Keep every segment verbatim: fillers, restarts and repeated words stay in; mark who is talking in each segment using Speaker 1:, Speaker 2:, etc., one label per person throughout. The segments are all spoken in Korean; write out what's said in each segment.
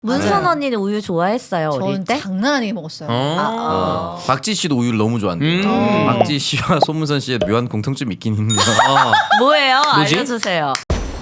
Speaker 1: 문선
Speaker 2: 네.
Speaker 1: 언니는 우유 좋아했어요 어릴
Speaker 2: 전
Speaker 1: 때?
Speaker 2: 장난 아니게 먹었어요.
Speaker 3: 어.
Speaker 1: 아, 어.
Speaker 4: 어. 박지 씨도 우유를 너무 좋아한대요.
Speaker 3: 음.
Speaker 4: 박지 씨와 손문선 씨의 묘한 공통점이 있긴 있네요. 어.
Speaker 1: 뭐예요?
Speaker 3: 뭐지?
Speaker 1: 알려주세요.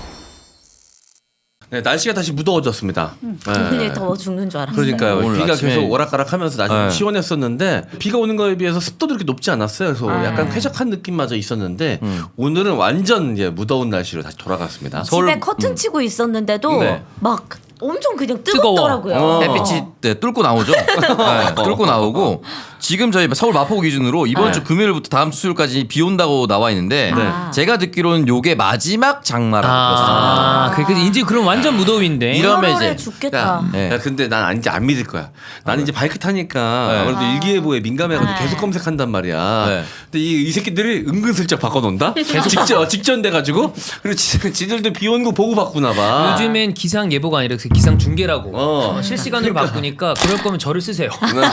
Speaker 5: 네, 날씨가 다시 무더워졌습니다.
Speaker 1: 오늘
Speaker 5: 네.
Speaker 1: 더워 죽는 줄 알았어요.
Speaker 5: 그러니까요.
Speaker 4: 오늘
Speaker 5: 비가
Speaker 4: 아침에-
Speaker 5: 계속 오락가락하면서 날씨 좀
Speaker 4: 네.
Speaker 5: 시원했었는데 비가 오는 거에 비해서 습도도 이렇게 높지 않았어요. 그래서
Speaker 1: 아.
Speaker 5: 약간 쾌적한 느낌마저 있었는데
Speaker 4: 음.
Speaker 5: 오늘은 완전 이제 무더운 날씨로 다시 돌아갔습니다.
Speaker 4: 서울-
Speaker 1: 집에 커튼 치고 있었는데도
Speaker 5: 네.
Speaker 1: 막 엄청 그냥
Speaker 3: 뜨거워.
Speaker 1: 뜨겁더라고요.
Speaker 5: 어.
Speaker 4: 햇빛이 네, 뚫고 나오죠. 네, 뚫고 나오고 지금 저희 서울 마포구 기준으로 이번
Speaker 5: 네.
Speaker 4: 주 금요일부터 다음 주 수요일까지 비 온다고 나와 있는데
Speaker 5: 네.
Speaker 4: 제가 듣기로는 요게 마지막 장마라고 들었습니다.
Speaker 3: 아, 그 이제 그럼 완전 무더위인데.
Speaker 4: 이런-
Speaker 1: 이러면
Speaker 4: 이제-
Speaker 1: 죽겠다.
Speaker 5: 야,
Speaker 4: 네.
Speaker 5: 야, 근데 난 이제 안 믿을 거야. 나는 이제 바이크 타니까
Speaker 4: 네.
Speaker 5: 아무래도
Speaker 1: 아.
Speaker 5: 일기예보에 민감해가지고
Speaker 1: 네.
Speaker 5: 계속 검색한단 말이야.
Speaker 4: 네.
Speaker 5: 근데 이, 이 새끼들이 은근슬쩍 바꿔놓는다? 직전, 직전 돼가지고. 그리고 지, 지들도 비 오는 거 보고 바꾸나 봐.
Speaker 3: 요즘엔 기상 예보가 아니라 기상 중계라고
Speaker 5: 어.
Speaker 3: 어, 실시간으로 바꾸니까 그럴 거면 저를 쓰세요.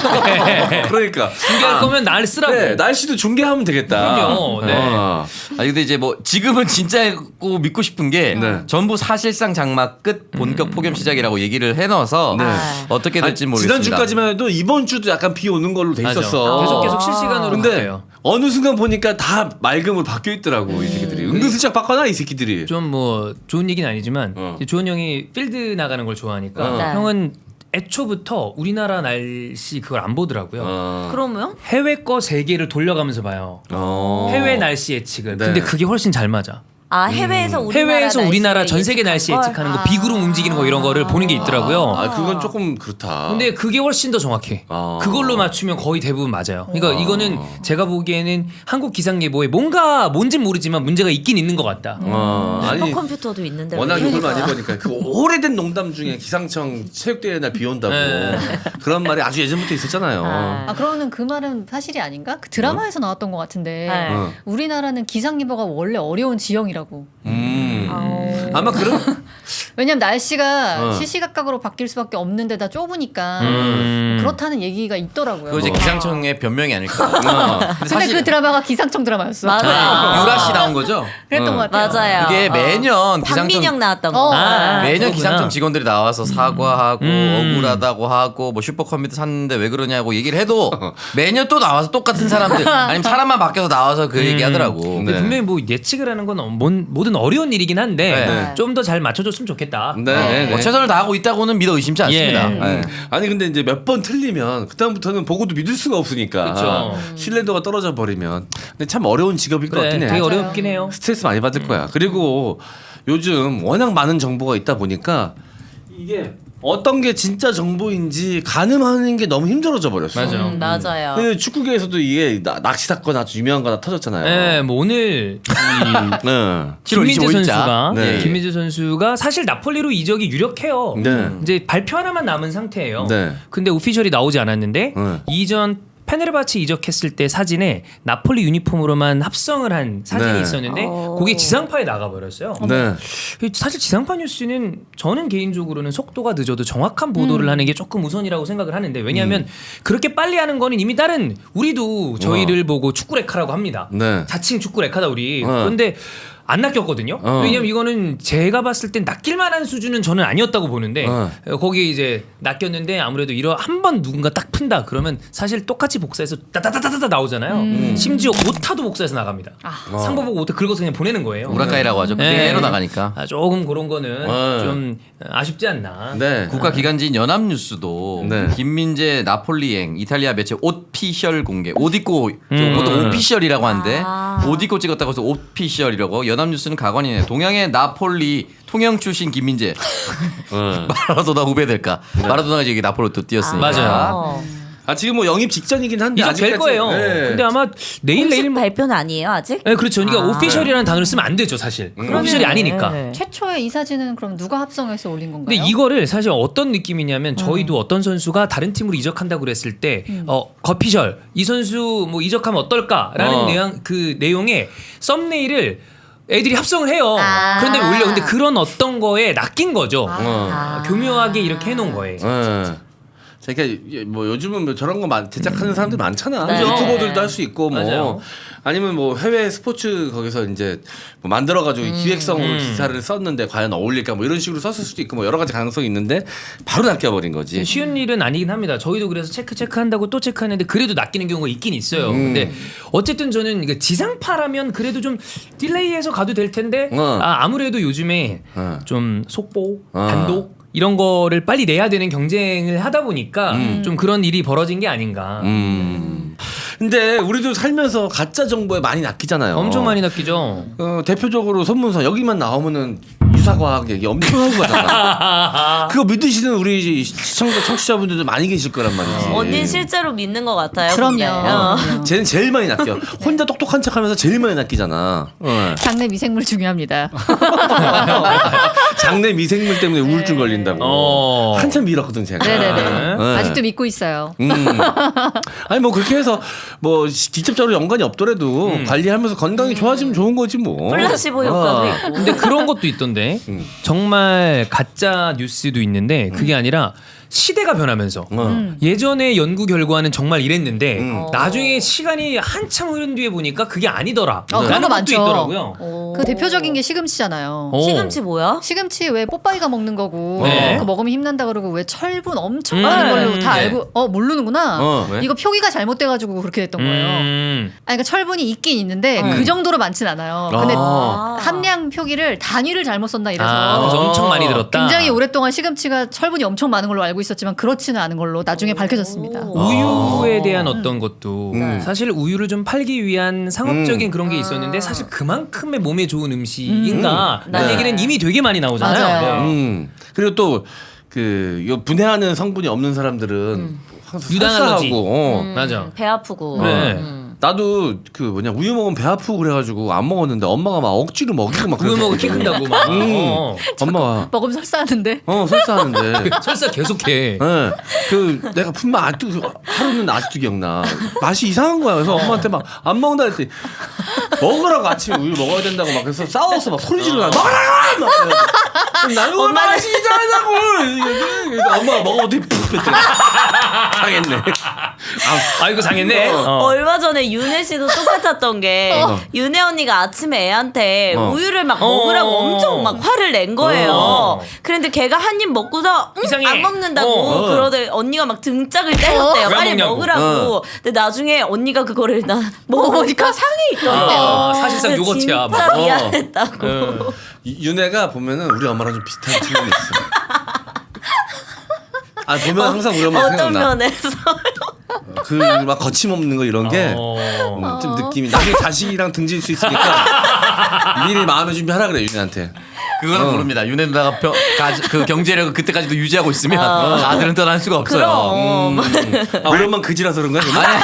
Speaker 5: 그러니까.
Speaker 3: 중계할 거면 날 쓰라고.
Speaker 5: 네, 날씨도 중계하면 되겠다.
Speaker 3: 그럼요. 네.
Speaker 5: 어.
Speaker 4: 아 근데 이제 뭐 지금은 진짜고 믿고 싶은 게
Speaker 5: 네.
Speaker 4: 전부 사실상 장마 끝 본격 폭염 시작이라고 얘기를 해놔서
Speaker 5: 네.
Speaker 4: 어떻게 될지
Speaker 5: 아니,
Speaker 4: 모르겠습니다.
Speaker 5: 지난주까지만 해도 이번 주도 약간 비 오는 걸로 돼
Speaker 3: 맞아.
Speaker 5: 있었어.
Speaker 3: 계속 계속 실시간으로
Speaker 5: 근데
Speaker 3: 바뀌어요.
Speaker 5: 어느 순간 보니까 다 맑음으로 바뀌어 있더라고 이 새끼들이. 은근슬쩍 바꿔놔 이 새끼들이.
Speaker 3: 좀 뭐 좋은 얘기는 아니지만
Speaker 5: 어.
Speaker 3: 이제 조은 형이 필드 나가는 걸 좋아하니까
Speaker 5: 어.
Speaker 1: 네.
Speaker 3: 형은 애초부터 우리나라 날씨 그걸 안 보더라고요.
Speaker 5: 어.
Speaker 1: 그러면?
Speaker 3: 해외 거 세 개를 돌려가면서 봐요.
Speaker 5: 어.
Speaker 3: 해외 날씨 예측을.
Speaker 5: 네.
Speaker 3: 근데 그게 훨씬 잘 맞아.
Speaker 1: 아 해외에서 우리나라
Speaker 3: 해외에서 우리나라
Speaker 1: 날씨
Speaker 3: 전 세계 날씨
Speaker 1: 예측한
Speaker 3: 예측하는
Speaker 1: 걸?
Speaker 3: 거 비구름 움직이는 거 이런 거를 보는 게 있더라고요.
Speaker 5: 아 그건 조금 그렇다.
Speaker 3: 근데 그게 훨씬 더 정확해.
Speaker 5: 아.
Speaker 3: 그걸로 맞추면 거의 대부분 맞아요. 그러니까 이거는 제가 보기에는 한국 기상 예보에 뭔가 뭔진 모르지만 문제가 있긴 있는 것 같다.
Speaker 5: 어, 아니
Speaker 1: 슈퍼컴퓨터도 있는데
Speaker 5: 워낙
Speaker 1: 왜
Speaker 5: 욕을
Speaker 1: 이러니까.
Speaker 5: 많이 보니까 그 오래된 농담 중에 기상청 체육대회 날 비 온다고
Speaker 3: 네.
Speaker 5: 그런 말이 아주 예전부터 있었잖아요.
Speaker 1: 아.
Speaker 2: 아 그러면 그 말은 사실이 아닌가? 그 드라마에서 나왔던 것 같은데
Speaker 1: 네.
Speaker 5: 어.
Speaker 2: 우리나라는 기상 예보가 원래 어려운 지형이라고.
Speaker 5: 음.
Speaker 1: 아우.
Speaker 5: 아마 그런
Speaker 2: 왜냐면 날씨가
Speaker 5: 어.
Speaker 2: 시시각각으로 바뀔 수밖에 없는데 다 좁으니까
Speaker 3: 음.
Speaker 2: 그렇다는 얘기가 있더라고요.
Speaker 4: 그거 이제
Speaker 5: 어.
Speaker 4: 기상청의 변명이 아닐까.
Speaker 5: 어.
Speaker 4: 근데
Speaker 2: 근데 그 드라마가 기상청 드라마였어.
Speaker 1: 맞아요.
Speaker 4: 유라 씨 나온 거죠?
Speaker 2: 그랬던
Speaker 5: 어.
Speaker 2: 것 같아요.
Speaker 1: 맞아요.
Speaker 4: 이게 매년 기상청
Speaker 1: 박민영 나왔던 거.
Speaker 2: 어.
Speaker 3: 아,
Speaker 4: 매년
Speaker 3: 그렇구나.
Speaker 4: 기상청 직원들이 나와서 사과하고
Speaker 3: 음.
Speaker 4: 억울하다고 하고 뭐 슈퍼컴퓨터 샀는데 왜 그러냐고 얘기를 해도 매년 또 나와서 똑같은 사람들 아니면 사람만 바뀌어서 나와서 그 얘기 하더라고.
Speaker 3: 근데
Speaker 5: 네.
Speaker 3: 분명히 뭐 예측을 하는 건 뭔- 뭐든 어려운 일이긴 한데
Speaker 4: 네.
Speaker 3: 좀 더 잘 맞춰줬으면 좋겠다.
Speaker 5: 네, 네,
Speaker 4: 뭐
Speaker 5: 네.
Speaker 4: 최선을 다하고 있다고는 믿어 의심치 않습니다.
Speaker 3: 예.
Speaker 4: 네.
Speaker 5: 아니 근데 이제 몇 번 틀리면 그다음부터는 보고도 믿을 수가 없으니까
Speaker 3: 그쵸.
Speaker 5: 신뢰도가 떨어져 버리면 근데 참 어려운 직업일 것
Speaker 3: 그래,
Speaker 5: 같긴 해.
Speaker 3: 되게
Speaker 2: 맞아요.
Speaker 3: 어렵긴 해요.
Speaker 5: 스트레스 많이 받을 거야. 그리고 요즘 워낙 많은 정보가 있다 보니까 이게 어떤 게 진짜 정보인지 가늠하는 게 너무 힘들어져 버렸어.
Speaker 3: 맞아.
Speaker 1: 음, 맞아요.
Speaker 5: 그 축구계에서도 이게 나- 낚시 사건 아주 유명한 거 하나 터졌잖아요.
Speaker 3: 네, 뭐 오늘 이
Speaker 5: 네.
Speaker 4: 칠월
Speaker 3: 김민재
Speaker 4: 이십오일자.
Speaker 3: 선수가
Speaker 5: 네.
Speaker 3: 김민재 선수가 사실 나폴리로 이적이 유력해요.
Speaker 5: 네.
Speaker 3: 이제 발표 하나만 남은 상태예요.
Speaker 5: 네.
Speaker 3: 근데 오피셜이 나오지 않았는데
Speaker 5: 네.
Speaker 3: 이전 페네르바체 이적했을 때 사진에 나폴리 유니폼으로만 합성을 한 사진이
Speaker 5: 네.
Speaker 3: 있었는데
Speaker 1: 오.
Speaker 3: 그게 지상파에 나가버렸어요.
Speaker 5: 네.
Speaker 3: 사실 지상파 뉴스는 저는 개인적으로는 속도가 늦어도 정확한 보도를 하는 게 조금 우선이라고 생각을 하는데 왜냐하면
Speaker 5: 음.
Speaker 3: 그렇게 빨리 하는 거는 이미 다른 우리도 저희를 보고 축구레카라고 합니다.
Speaker 5: 네.
Speaker 3: 자칭 축구레카다 우리.
Speaker 5: 어.
Speaker 3: 그런데 안 낚였거든요.
Speaker 5: 어.
Speaker 3: 왜냐면 이거는 제가 봤을 땐 낚일 만한 수준은 저는 아니었다고 보는데
Speaker 5: 어.
Speaker 3: 거기에 이제 낚였는데 아무래도 이런 한 번 누군가 딱 푼다 그러면 사실 똑같이 복사해서 따다다다다 나오잖아요. 심지어 오타도 복사해서 나갑니다.
Speaker 2: 아.
Speaker 3: 상보 보고 오타 긁어서 그냥 보내는 거예요.
Speaker 4: 우라카이라고 하죠.
Speaker 3: 네.
Speaker 4: 그대로 나가니까.
Speaker 3: 아, 조금 그런 거는
Speaker 5: 네.
Speaker 3: 좀 아쉽지 않나.
Speaker 5: 네.
Speaker 4: 국가기관지인 연합뉴스도
Speaker 5: 네.
Speaker 4: 김민재 나폴리행 이탈리아 매체 오피셜 공개 옷 입고
Speaker 3: 음.
Speaker 4: 보통 오피셜이라고 하는데
Speaker 1: 아.
Speaker 4: 옷 입고 찍었다고 해서 오피셜이라고 연합뉴스는 가관이네. 동양의 나폴리 통영 출신 김민재
Speaker 5: 네.
Speaker 4: 마라도나 후배 될까? 마라도나가 이제 나폴로 또 뛰었으니까.
Speaker 3: 맞아요.
Speaker 5: 아 지금 뭐 영입 직전이긴 한데
Speaker 3: 이적 될
Speaker 5: 아직까지-
Speaker 3: 거예요.
Speaker 5: 네.
Speaker 3: 근데 아마 내일
Speaker 1: 공식
Speaker 3: 내일
Speaker 1: 발표는 아니에요 아직?
Speaker 3: 네, 그렇죠. 그러니까
Speaker 1: 아.
Speaker 3: 오피셜이라는 단어를 쓰면 안 되죠, 사실. 오피셜이 아니니까.
Speaker 1: 네.
Speaker 2: 최초의 이 사진은 그럼 누가 합성해서 올린 건가요?
Speaker 3: 근데 이거를 사실 어떤 느낌이냐면 저희도 어떤 선수가 다른 팀으로 이적한다고 그랬을 때 어, 거피셜 이 선수 뭐 이적하면 어떨까라는
Speaker 5: 어.
Speaker 3: 내용 그 내용의 썸네일을 애들이 합성을 해요.
Speaker 1: 아.
Speaker 3: 그런데 올려. 근데 그런 어떤 거에 낚인 거죠.
Speaker 5: 어.
Speaker 3: 아, 교묘하게 이렇게 해놓은 거예요.
Speaker 5: 네. 그러니까 뭐 요즘은 뭐 저런 거 많- 제작하는 사람들 많잖아.
Speaker 1: 네.
Speaker 5: 유튜버들도 할 수 있고 뭐
Speaker 3: 맞아요.
Speaker 5: 아니면 뭐 해외 스포츠 거기서 이제 뭐 만들어가지고 기획성으로
Speaker 3: 음.
Speaker 5: 기사를 썼는데 과연 어울릴까 뭐 이런 식으로 썼을 수도 있고 뭐 여러 가지 가능성이 있는데 바로 낚여버린 거지.
Speaker 3: 쉬운 일은 아니긴 합니다. 저희도 그래서 체크 체크한다고 또 체크하는데 그래도 낚이는 경우가 있긴 있어요.
Speaker 5: 음.
Speaker 3: 근데 어쨌든 저는 이게 지상파라면 그래도 좀 딜레이해서 가도 될 텐데
Speaker 5: 어.
Speaker 3: 아, 아무래도 요즘에
Speaker 5: 어.
Speaker 3: 좀 속보,
Speaker 5: 어.
Speaker 3: 단독 이런 거를 빨리 내야 되는 경쟁을 하다 보니까 좀 그런 일이 벌어진 게 아닌가.
Speaker 5: 음. 근데 우리도 살면서 가짜 정보에 많이 낚이잖아요.
Speaker 3: 엄청 많이 낚이죠.
Speaker 5: 어, 대표적으로 선문서 여기만 나오면은 유사과학 얘기 엄청 하고 가잖아. 그거 믿으시는 우리 시청자 청취자분들도 많이 계실 거란 말이지.
Speaker 1: 언니는 실제로 믿는 것 같아요.
Speaker 2: 그럼요.
Speaker 1: 근데. 어.
Speaker 2: 그럼요.
Speaker 5: 쟤는 제일 많이 낚여. 혼자 똑똑한 척하면서 제일 많이 낚이잖아. 어.
Speaker 2: 장내 미생물 중요합니다.
Speaker 5: 장내 미생물 때문에 우울증 걸린다고.
Speaker 3: 어.
Speaker 5: 한참 밀었거든 제가.
Speaker 2: 네네네.
Speaker 5: 네.
Speaker 2: 아직도 믿고 있어요.
Speaker 5: 음. 아니 뭐 그렇게 해서 뭐 시- 직접적으로 연관이 없더라도 관리하면서 건강이 좋아지면 좋은 거지 뭐.
Speaker 1: 플라시보 효과도
Speaker 5: 어.
Speaker 1: 있고.
Speaker 3: 근데 그런 것도 있던데
Speaker 5: 음.
Speaker 3: 정말 가짜 뉴스도 있는데 그게 아니라 시대가 변하면서
Speaker 5: 어.
Speaker 3: 예전에 연구 결과는 정말 이랬는데
Speaker 5: 음.
Speaker 3: 나중에 시간이 한참 흐른 뒤에 보니까 그게 아니더라.
Speaker 2: 어, 그런
Speaker 3: 라는
Speaker 2: 거
Speaker 3: 것도
Speaker 2: 많죠.
Speaker 3: 있더라고요.
Speaker 1: 오.
Speaker 2: 그 대표적인 게 시금치잖아요.
Speaker 3: 어.
Speaker 1: 시금치 뭐야?
Speaker 2: 시금치 왜 뽀빠이가 먹는 거고
Speaker 3: 네.
Speaker 2: 그 먹으면 힘난다 그러고 왜 철분 엄청
Speaker 3: 음.
Speaker 2: 많은 걸로
Speaker 3: 네.
Speaker 2: 다 알고 어 모르는구나.
Speaker 5: 어, 왜?
Speaker 2: 이거 표기가 잘못돼가지고 그렇게 됐던 거예요.
Speaker 3: 음.
Speaker 2: 아니, 그러니까 철분이 있긴 있는데 그 정도로 많진 않아요. 근데
Speaker 5: 아.
Speaker 2: 함량 표기를 단위를 잘못 썼나 이래서
Speaker 3: 아, 그래서 엄청 많이 들었다.
Speaker 2: 굉장히 오랫동안 시금치가 철분이 엄청 많은 걸로 알고 있었지만 그렇지는 않은 걸로 나중에 밝혀졌습니다.
Speaker 1: 오.
Speaker 3: 우유에 대한 어떤 것도
Speaker 5: 음.
Speaker 3: 사실 우유를 좀 팔기 위한 상업적인
Speaker 5: 음.
Speaker 3: 그런 게 있었는데 사실 그만큼의 몸에 좋은 음식인가 라는
Speaker 1: 네.
Speaker 3: 얘기는 이미 되게 많이 나오잖아요.
Speaker 2: 맞아요.
Speaker 3: 네.
Speaker 5: 음. 그리고 또그 분해하는 성분이 없는 사람들은 항상
Speaker 3: 유당한 거지.
Speaker 5: 설사하고, 어.
Speaker 1: 음,
Speaker 3: 맞아.
Speaker 1: 배 아프고.
Speaker 3: 네.
Speaker 1: 음.
Speaker 5: 나도 그 뭐냐 우유 먹으면 배 아프고 그래가지고 안 먹었는데 엄마가 막 억지로 먹이고 막
Speaker 3: 우유 먹어 키
Speaker 5: 그랬거든.
Speaker 3: 큰다고 막.
Speaker 5: 음.
Speaker 3: 어.
Speaker 2: 뭐
Speaker 5: 엄마가
Speaker 2: 먹으면 설사하는데.
Speaker 5: 어 설사하는데
Speaker 3: 설사 계속해.
Speaker 5: 예. 그 내가 분명 아직도 그 하루는 아직도 기억나. 맛이 이상한 거야. 그래서 엄마한테 막 안 먹는다 했더니 먹으라고 아침에 우유 먹어야 된다고 막 그래서 싸워서 막 소리 지르고 먹으라고 막 그래가지고 나는 오늘 맛이 이상하다고. 그래서 엄마가 먹어보더니 푹 뺐더니 상했네. 아,
Speaker 3: 아이고 상했네.
Speaker 5: 어.
Speaker 3: 어.
Speaker 1: 얼마 전에 윤혜 씨도 똑같았던 게
Speaker 5: 어.
Speaker 1: 윤혜 언니가 아침에 애한테
Speaker 5: 어.
Speaker 1: 우유를 막
Speaker 3: 어.
Speaker 1: 먹으라고 엄청 막 화를 낸 거예요.
Speaker 3: 어.
Speaker 1: 그런데 걔가 한 입 먹고서 응?
Speaker 3: 이상해.
Speaker 1: 안 먹는다고
Speaker 3: 어.
Speaker 1: 그러더니 언니가 막 등짝을 때렸대요.
Speaker 3: 왜 안
Speaker 1: 빨리
Speaker 3: 먹냐고.
Speaker 1: 먹으라고. 근데 나중에 언니가 그거를 나 먹으니까 상해 있더래요.
Speaker 3: 아, 사실상
Speaker 1: 근데
Speaker 3: 요거트야,
Speaker 1: 진짜
Speaker 3: 막. 어.
Speaker 1: 미안했다고.
Speaker 3: 어.
Speaker 5: 이- 윤혜가 보면은 우리 엄마랑 좀 비슷한 측면이 있어. 아 보면 항상 우리 엄마
Speaker 1: 어떤
Speaker 5: 생각나.
Speaker 1: 면에서
Speaker 5: 그 막 거침없는 거 이런 게
Speaker 3: 어.
Speaker 5: 음, 좀 느낌이 나중에 자식이랑 등질 수 있으니까 미리 마음의 준비하라 그래 윤혜한테.
Speaker 4: 그거는
Speaker 5: 어.
Speaker 4: 모릅니다. 윤혜 누나가 펴, 가, 그 경제력을 그때까지도 유지하고 있으면
Speaker 1: 어.
Speaker 4: 아들은 떠날 수가 없어요.
Speaker 1: 그럼.
Speaker 5: 아, 우리 엄마 그지라서 그런 거야?
Speaker 4: 아니,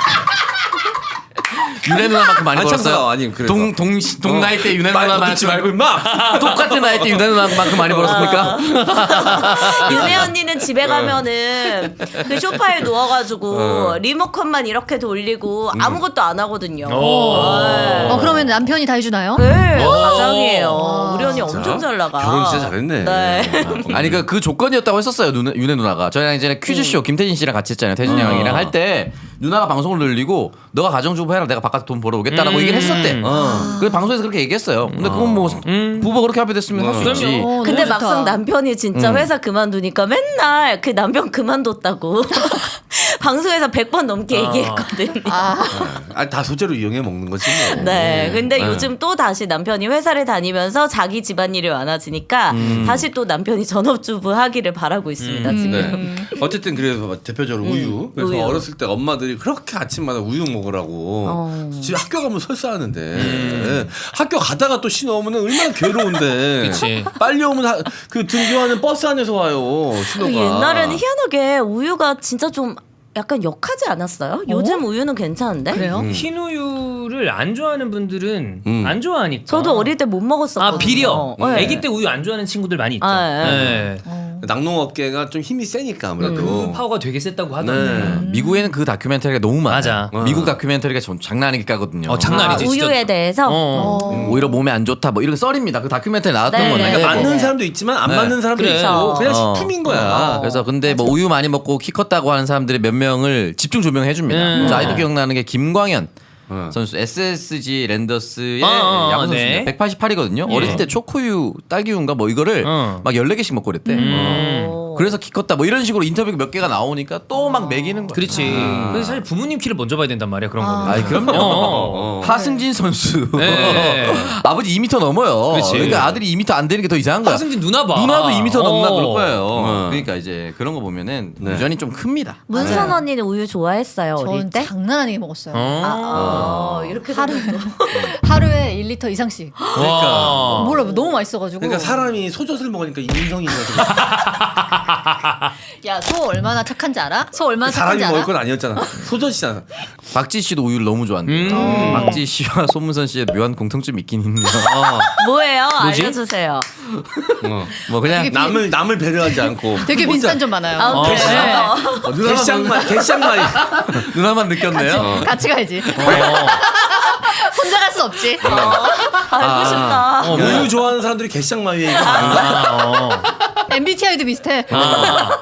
Speaker 4: 윤혜 누나만큼 많이
Speaker 5: 아니,
Speaker 4: 벌었어요.
Speaker 5: 참사, 아니, 그래서.
Speaker 4: 동, 동, 동 나이 때 윤혜
Speaker 5: 말
Speaker 4: 누나만큼
Speaker 5: 듣지 말고 임마.
Speaker 4: 똑같은 나이 때 윤혜 누나만큼 많이 벌었습니까?
Speaker 1: 윤혜 언니는 집에 가면은 그 소파에 누워가지고 리모컨만 이렇게 돌리고 아무것도 안 하거든요.
Speaker 3: 오.
Speaker 1: 네.
Speaker 2: 어 그러면 남편이 다 해주나요?
Speaker 1: 네, 가장이에요. 우리 언니 엄청 잘 나가.
Speaker 5: 결혼 진짜 잘했네.
Speaker 1: 네.
Speaker 4: 아니 그, 그 조건이었다고 했었어요. 누나, 윤혜 누나가 저희랑 이제 퀴즈쇼 김태진 씨랑 같이 했잖아요. 태진 양이랑 할 때 누나가 방송을 늘리고 너가 가정주부 해라 내가 바깥에 돈 벌어 오겠다라고
Speaker 3: 음.
Speaker 4: 얘기를 했었대.
Speaker 5: 어.
Speaker 4: 그래서 방송에서 그렇게 얘기했어요. 근데 그건 뭐
Speaker 3: 음.
Speaker 4: 부부가 그렇게 합의됐으면 할 수
Speaker 5: 어.
Speaker 4: 있지.
Speaker 3: 그럼요.
Speaker 2: 어, 너무
Speaker 1: 근데
Speaker 2: 좋다.
Speaker 1: 막상 남편이 진짜
Speaker 5: 음.
Speaker 1: 회사 그만두니까 맨날 그 남편 그만뒀다고 방송에서 백 번 넘게 얘기했거든요.
Speaker 2: 아,
Speaker 5: 아, 다 소재로 이용해 먹는 거지 뭐.
Speaker 1: 네, 근데
Speaker 5: 네.
Speaker 1: 요즘 또 다시 남편이 회사를 다니면서 자기 집안일이 많아지니까 다시 또 남편이 전업주부 하기를 바라고 있습니다
Speaker 3: 음.
Speaker 1: 지금.
Speaker 5: 네. 어쨌든 그래서 대표적으로 우유. 그래서
Speaker 1: 우유.
Speaker 5: 어렸을 때 엄마들이 그렇게 아침마다 우유 먹으라고.
Speaker 1: 어.
Speaker 5: 집에 학교 가면 설사하는데 네. 학교 가다가 또 신호 오면은 얼마나 괴로운데.
Speaker 3: 그치.
Speaker 5: 빨리 오면 하- 그 등교하는 버스 안에서 와요. 신호가.
Speaker 1: 그 옛날에는 희한하게 우유가 진짜 좀 약간 역하지 않았어요? 요즘 우유는 괜찮은데?
Speaker 2: 그래요?
Speaker 5: 음.
Speaker 3: 흰 우유를 안 좋아하는 분들은
Speaker 5: 음.
Speaker 3: 안 좋아하니까.
Speaker 1: 저도 어릴 때 못 먹었었거든요.
Speaker 3: 아 비려.
Speaker 1: 네.
Speaker 3: 아기 때 우유 안 좋아하는 친구들 많이 있죠.
Speaker 1: 아, 예.
Speaker 3: 네.
Speaker 2: 어.
Speaker 5: 낙농업계가 좀 힘이 세니까 아무래도.
Speaker 3: 그 파워가 되게 셌다고 하던데.
Speaker 5: 네.
Speaker 4: 미국에는 그 다큐멘터리가 너무 많아요.
Speaker 3: 맞아.
Speaker 4: 미국 다큐멘터리가 전 장난 아니게 까거든요.
Speaker 3: 어, 장난
Speaker 1: 아,
Speaker 3: 아니지. 진짜.
Speaker 1: 우유에 대해서.
Speaker 3: 어.
Speaker 1: 어.
Speaker 4: 오히려 몸에 안 좋다 뭐 이런 썰입니다. 그 다큐멘터리 나왔던
Speaker 1: 네,
Speaker 4: 건데.
Speaker 1: 네,
Speaker 5: 그러니까
Speaker 1: 네,
Speaker 5: 맞는
Speaker 1: 네.
Speaker 5: 사람도 있지만 안
Speaker 4: 네.
Speaker 5: 맞는 사람도
Speaker 3: 그래.
Speaker 5: 있고 그냥
Speaker 4: 어.
Speaker 5: 식품인 거야.
Speaker 4: 어, 그래서 근데 뭐 우유 많이 먹고 키 컸다고 하는 사람들의 몇 명을 집중 조명해 줍니다.
Speaker 3: 음.
Speaker 4: 그래서 아직도 기억나는 게 김광현
Speaker 5: 음.
Speaker 4: 선수 에스에스지 랜더스의
Speaker 3: 어, 어,
Speaker 4: 야구 선수입니다.
Speaker 3: 네.
Speaker 4: 백팔십팔이거든요.
Speaker 3: 예.
Speaker 4: 어렸을 때 초코우유, 딸기우유인가 뭐 이거를
Speaker 3: 어.
Speaker 4: 막 열네 개씩 먹고 그랬대.
Speaker 3: 음.
Speaker 1: 어.
Speaker 4: 그래서 키 컸다 뭐 이런 식으로 인터뷰가 몇 개가 나오니까 또 막 먹이는 거야.
Speaker 3: 그렇지. 근데 사실 부모님 키를 먼저 봐야 된단 말이야 그런 거는.
Speaker 4: 아이 그럼요.
Speaker 3: 어.
Speaker 4: 하승진 선수
Speaker 3: 네.
Speaker 4: 아버지 이 미터 넘어요.
Speaker 3: 그렇지.
Speaker 4: 그러니까 아들이 이 미터 안 되는 게 더 이상한 거야.
Speaker 3: 하승진 누나 봐.
Speaker 4: 누나도 이 미터 넘나
Speaker 3: 어.
Speaker 4: 그럴 거예요.
Speaker 5: 어.
Speaker 4: 그러니까 이제 그런 거 보면은
Speaker 5: 네.
Speaker 4: 유전이 좀 큽니다.
Speaker 1: 문선 언니는 우유 좋아했어요 어릴
Speaker 2: 전
Speaker 1: 때?
Speaker 2: 장난 아니게 먹었어요.
Speaker 3: 어.
Speaker 1: 아, 어, 이렇게
Speaker 2: 하루
Speaker 1: 되면 또.
Speaker 2: 하루에 일 리터 이상씩.
Speaker 3: 그러니까.
Speaker 2: 몰라 너무 맛있어가지고.
Speaker 5: 그러니까 사람이 소젖을 먹으니까 인성이 있는 거지.
Speaker 2: 야, 소 얼마나 착한지 알아? 소 얼마나
Speaker 5: 사람이
Speaker 2: 착한지
Speaker 5: 먹을
Speaker 2: 알아?
Speaker 5: 건 아니었잖아. 소젖이잖아.
Speaker 4: 박지 씨도 우유를 너무 좋아한대요.
Speaker 3: 음.
Speaker 4: 박지 씨와 손문선 씨의 묘한 공통점이 있긴 있네요. 어.
Speaker 1: 뭐예요?
Speaker 3: 뭐지?
Speaker 1: 알려주세요.
Speaker 5: 어.
Speaker 4: 뭐 그냥
Speaker 2: 되게
Speaker 5: 남을 남을 배려하지 않고.
Speaker 2: 되게 빈산 좀 많아요.
Speaker 1: 아, 그래요?
Speaker 2: 네.
Speaker 5: 어, 개쌍만 개쌍만이.
Speaker 4: 누나만 느꼈네요.
Speaker 2: 같이 가야지. 혼자 갈 수 없지.
Speaker 1: 알고 싶다.
Speaker 3: 어,
Speaker 5: 우유 좋아하는 사람들이 개쌍만이 이거 아닌가?
Speaker 3: 아, 어.
Speaker 2: 엠비티아이도 비슷해.
Speaker 3: 아.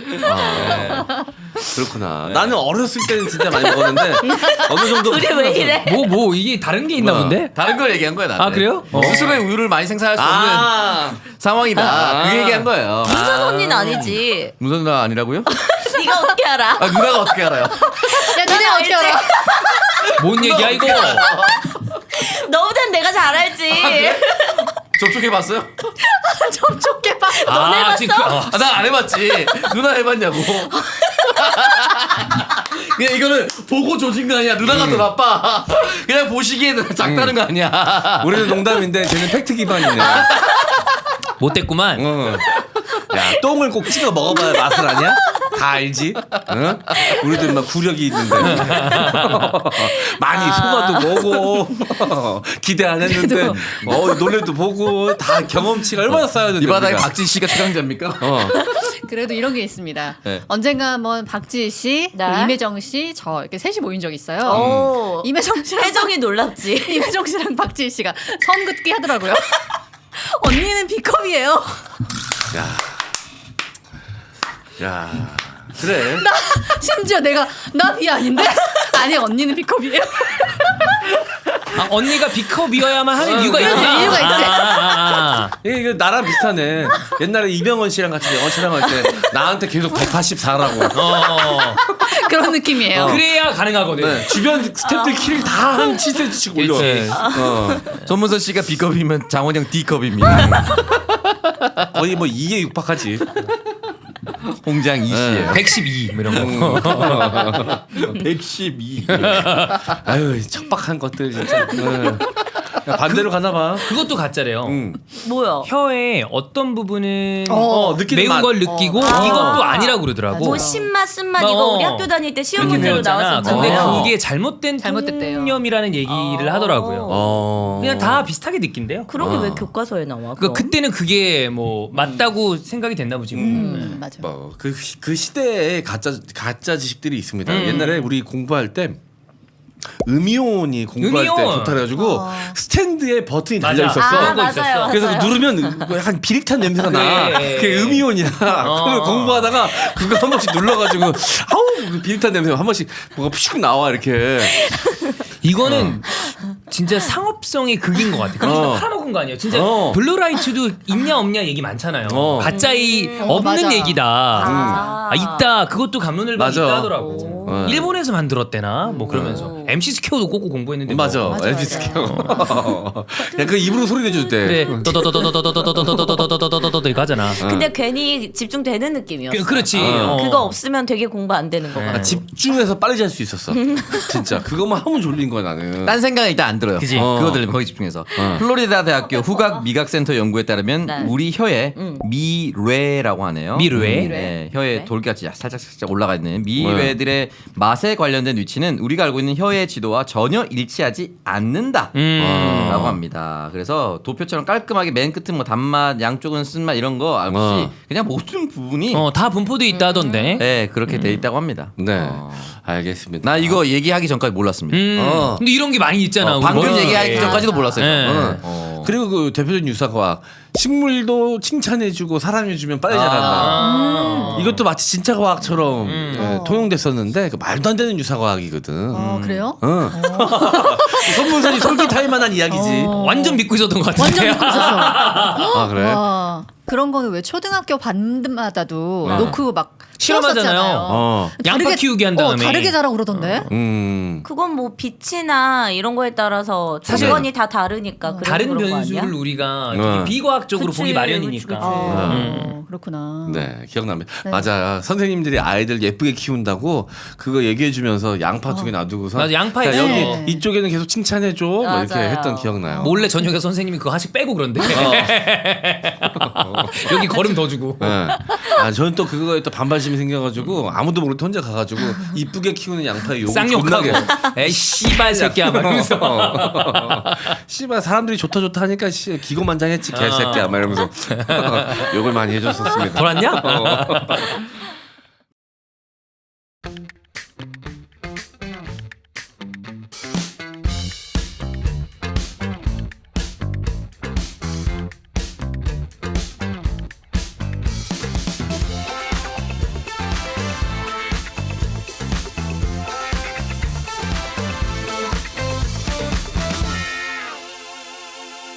Speaker 5: 그렇구나. 나는 어렸을 때는 진짜 많이 먹었는데 어느 정도
Speaker 1: 둘이 왜 이래?
Speaker 3: 뭐, 뭐, 이게 다른 게 있나
Speaker 5: 뭐.
Speaker 3: 본데?
Speaker 4: 다른 걸 얘기한 거야 나는.
Speaker 3: 아, 그래요? 어.
Speaker 4: 스스로의 우유를 많이 생산할 수 없는
Speaker 5: 아,
Speaker 4: 상황이다.
Speaker 5: 아.
Speaker 4: 그 얘기한 거예요.
Speaker 1: 문선 언니는 아니지.
Speaker 4: 문선 누나 아니라고요?
Speaker 1: 네가 어떻게 알아?
Speaker 4: 아 누나가 어떻게 알아요?
Speaker 2: 야, 니네 어떻게
Speaker 1: 알지?
Speaker 2: 알아?
Speaker 3: 뭔 얘기야 이거?
Speaker 1: 너보단 내가 잘 알지.
Speaker 4: 접촉해봤어요?
Speaker 2: 접촉해 봐.
Speaker 1: 넌 해봤어?
Speaker 3: 지금 그- 어.
Speaker 4: 아, 나 안 해봤지. 누나 해봤냐고. 그냥 이거는 보고 조진 거 아니야. 누나가 더 나빠. 그냥 보시기에는 작다는 거 아니야.
Speaker 5: 우리는 농담인데 쟤는 팩트 기반이네.
Speaker 3: 못됐구만.
Speaker 5: 어. 야, 똥을 꼭 찍어 먹어봐야 맛을 아냐? 다 알지? 응? 우리도 막 구력이 있는데 많이 속아도 보고 기대 안 했는데 어, 노래도 보고 다 경험치가 얼마나 쌓여야 되는데
Speaker 4: 이 바닥에
Speaker 5: 우리가.
Speaker 4: 박진 씨가 최강자입니까?
Speaker 5: 어.
Speaker 2: 그래도 이런 게 있습니다.
Speaker 4: 네.
Speaker 2: 언젠가 한번 박지희 씨,
Speaker 1: 네.
Speaker 2: 또 임혜정 씨, 저 이렇게 셋이 모인 적 있어요.
Speaker 1: 오.
Speaker 2: 임혜정 씨랑
Speaker 1: 혜정이 놀랍지.
Speaker 2: 임혜정 씨랑 박지희 씨가 선긋기 하더라고요. 언니는 B컵이에요.
Speaker 5: 야. 야. 그래.
Speaker 2: 나 심지어 내가 나 B 아닌데? 아니 언니는 B컵이에요.
Speaker 3: 아, 언니가 B컵이어야만 하는
Speaker 5: 어,
Speaker 3: 이유가
Speaker 5: 그래,
Speaker 3: 있구나.
Speaker 2: 이유가 있지.
Speaker 3: 아, 아, 아.
Speaker 5: 이게 이거 나랑 비슷하네. 옛날에 이병헌 씨랑 같이 영화 촬영할 때 나한테 계속 백팔십사라고.
Speaker 3: 어.
Speaker 2: 그런 느낌이에요.
Speaker 3: 그래야 가능하거든.
Speaker 5: 네, 주변 스태프들 키를 다 한 칠 센티씩 올려.
Speaker 3: 그렇지.
Speaker 5: 어.
Speaker 4: 손문선 씨가 B컵이면 장원영 D컵입니다.
Speaker 5: 거의 뭐 이에 육박하지.
Speaker 4: 홍장 이 씨예요.
Speaker 3: 백십이 뭐 이런 거.
Speaker 4: 백십이.
Speaker 5: 아유 척박한 것들 진짜. 응. 야, 반대로 가나 봐.
Speaker 3: 그것도 가짜래요.
Speaker 5: 응.
Speaker 1: 뭐야?
Speaker 3: 혀의 어떤 부분은
Speaker 5: 어, 느끼는
Speaker 3: 매운
Speaker 5: 맛.
Speaker 3: 걸 느끼고
Speaker 1: 어. 아.
Speaker 3: 이것도 아니라고 그러더라고.
Speaker 1: 뭐 신맛 쓴맛 이거
Speaker 3: 어.
Speaker 1: 우리 학교 다닐 때 시험
Speaker 3: 이렇게
Speaker 1: 문제로
Speaker 3: 배웠잖아.
Speaker 1: 나왔었잖아요.
Speaker 3: 근데
Speaker 5: 어.
Speaker 3: 그게 잘못된
Speaker 2: 잘못됐대요.
Speaker 3: 통념이라는 얘기를
Speaker 1: 어.
Speaker 3: 하더라고요.
Speaker 5: 어.
Speaker 3: 그냥 다 비슷하게 느낀대요.
Speaker 1: 그런 게
Speaker 5: 어.
Speaker 1: 왜 교과서에 나와?
Speaker 3: 그러니까
Speaker 1: 그럼?
Speaker 3: 그때는 그게 뭐 맞다고 생각이 됐나 보지. 뭐.
Speaker 2: 음, 맞아.
Speaker 5: 뭐, 그, 그 시대에 가짜 가짜 지식들이 있습니다.
Speaker 3: 음.
Speaker 5: 옛날에 우리 공부할 때 음이온이 공부할 때
Speaker 3: 음이온.
Speaker 5: 좋다 그래가지고
Speaker 2: 어.
Speaker 5: 스탠드에 버튼이
Speaker 3: 맞아.
Speaker 5: 달려 있었어.
Speaker 1: 아,
Speaker 3: 그런 거
Speaker 1: 맞아요.
Speaker 3: 있었어.
Speaker 5: 그래서
Speaker 1: 맞아요.
Speaker 5: 누르면 뭐 약간 비릿한 냄새가 나.
Speaker 3: 그래.
Speaker 5: 그게 음이온이야.
Speaker 3: 어.
Speaker 5: 그걸 공부하다가 그거 한 번씩 눌러가지고 아우 그 비릿한 냄새가 한 번씩 뭐가 푸슉 나와 이렇게.
Speaker 3: 이거는 진짜 상업성의 극인 것 같아. 그런
Speaker 5: 어.
Speaker 3: 거 팔아먹은 거 아니에요. 진짜
Speaker 5: 어.
Speaker 3: 블루라이트도 있냐 없냐 얘기 많잖아요.
Speaker 5: 어.
Speaker 3: 가짜이
Speaker 2: 어,
Speaker 3: 없는
Speaker 2: 맞아.
Speaker 3: 얘기다.
Speaker 1: 아.
Speaker 3: 아, 있다. 그것도 감론을박이
Speaker 5: 맞아.
Speaker 3: 있다 하더라고.
Speaker 5: 어.
Speaker 3: 일본에서 만들었대나 뭐 그러면서
Speaker 1: 오.
Speaker 3: 엠씨 스퀘어도 꽂고 공부했는데
Speaker 5: 맞아.
Speaker 3: 뭐.
Speaker 2: 맞아,
Speaker 5: 엘비스
Speaker 2: 맞아.
Speaker 5: 켜. 야, 그 입으로 소리 내줄 때.
Speaker 3: 그래 도도도도도도도도도도도도도도도도 이거 하잖아.
Speaker 1: 근데 괜히 집중되는 느낌이었어.
Speaker 3: 그- 그렇지.
Speaker 5: 어.
Speaker 3: 어.
Speaker 1: 그거 없으면 되게 공부 안 되는 거
Speaker 3: 네.
Speaker 1: 같아.
Speaker 5: 아, 집중해서 빨리 잘 수 있었어. 진짜 그것만 하면 졸린 거야 나는.
Speaker 4: 딴 생각은 일단 안 들어요.
Speaker 3: 그지?
Speaker 4: 어.
Speaker 5: 어.
Speaker 4: 그거 들리면 거기 집중해서.
Speaker 5: 어.
Speaker 4: 플로리다 대학교 후각 미각센터 연구에 따르면
Speaker 1: 네.
Speaker 4: 우리 혀에
Speaker 1: 음.
Speaker 4: 미뢰라고 하네요.
Speaker 3: 미뢰?
Speaker 4: 네, 혀에
Speaker 1: 네.
Speaker 4: 돌 돌기같이 살짝 살짝 올라가 있는 미외들의 맛에 관련된 위치는 우리가 알고 있는 혀의 지도와 전혀 일치하지 않는다.
Speaker 3: 음.
Speaker 4: 라고 합니다. 그래서 도표처럼 깔끔하게 맨 끝은 뭐 단맛, 양쪽은 쓴맛 이런 거 없이
Speaker 5: 어.
Speaker 4: 그냥 모든 부분이
Speaker 3: 어, 다 분포돼 있다던데.
Speaker 4: 네, 그렇게 돼 있다고 합니다.
Speaker 5: 네,
Speaker 4: 어.
Speaker 5: 알겠습니다.
Speaker 4: 나 이거 얘기하기 전까지 몰랐습니다.
Speaker 3: 음.
Speaker 5: 어.
Speaker 3: 근데 이런 게 많이 있잖아.
Speaker 4: 어,
Speaker 3: 우리
Speaker 4: 방금
Speaker 3: 머릿속에.
Speaker 4: 얘기하기 전까지도 몰랐어요.
Speaker 3: 네.
Speaker 4: 저는.
Speaker 5: 어.
Speaker 4: 어.
Speaker 5: 그리고 그 대표적인 유사과학 식물도 칭찬해주고 사랑해주면 빨리 자란다.
Speaker 3: 아.
Speaker 5: 이것도 마치 진짜 과학처럼
Speaker 3: 음.
Speaker 5: 예, 통용됐었는데 그 말도 안 되는 유사과학이거든.
Speaker 2: 어, 그래요?
Speaker 5: 응. 선문선이 솔깃할 만한 이야기지.
Speaker 2: 어.
Speaker 3: 완전 믿고 있었던 것 같은데.
Speaker 2: 완전 믿고 있었어.
Speaker 5: 아 그래?
Speaker 2: 와, 그런 거는 왜 초등학교 반마다도
Speaker 5: 어.
Speaker 2: 놓고 막
Speaker 3: 실험하잖아요.
Speaker 2: 키웠었잖아요.
Speaker 5: 어.
Speaker 3: 양파
Speaker 2: 다르게-
Speaker 3: 키우기 한
Speaker 2: 어,
Speaker 3: 다음에.
Speaker 2: 다르게 자라고 그러던데.
Speaker 5: 음.
Speaker 1: 그건 뭐 빛이나 이런 거에 따라서
Speaker 3: 사실
Speaker 1: 조건이 다 다르니까 그래서
Speaker 3: 다른
Speaker 1: 그런 거
Speaker 3: 변수를
Speaker 1: 아니야?
Speaker 3: 우리가
Speaker 5: 네.
Speaker 3: 되게 비과학적으로
Speaker 1: 그치,
Speaker 3: 보기
Speaker 1: 그치,
Speaker 3: 마련이니까.
Speaker 1: 그치.
Speaker 2: 어, 그렇구나.
Speaker 5: 네, 기억납니다.
Speaker 2: 네.
Speaker 5: 맞아. 선생님들이 아이들 예쁘게 키운다고 그거 얘기해주면서 양파 두 개 놔두고서
Speaker 3: 맞아, 양파
Speaker 5: 야,
Speaker 3: 있어.
Speaker 5: 여기
Speaker 2: 네.
Speaker 5: 이쪽에는 계속 칭찬해줘. 뭐 이렇게
Speaker 1: 맞아요.
Speaker 5: 했던 기억나요.
Speaker 3: 몰래 저녁에 선생님이 그거 하나씩 빼고 그런데. 여기 걸음 더 주고.
Speaker 5: 네. 아, 저는 또 그거에 또 반발심이 생겨가지고 아무도 모르게 혼자 가가지고 이쁘게 키우는 양파의 욕을
Speaker 3: 쌍욕하고.
Speaker 5: 존나게.
Speaker 3: 에이 씨발 새끼야 막 이러면서.
Speaker 5: 씨발 사람들이 좋다 좋다 하니까 씨, 기고만장했지 개새끼야 막 이러면서 욕을 많이 해줬었습니다.
Speaker 3: 돌았냐?
Speaker 5: 어.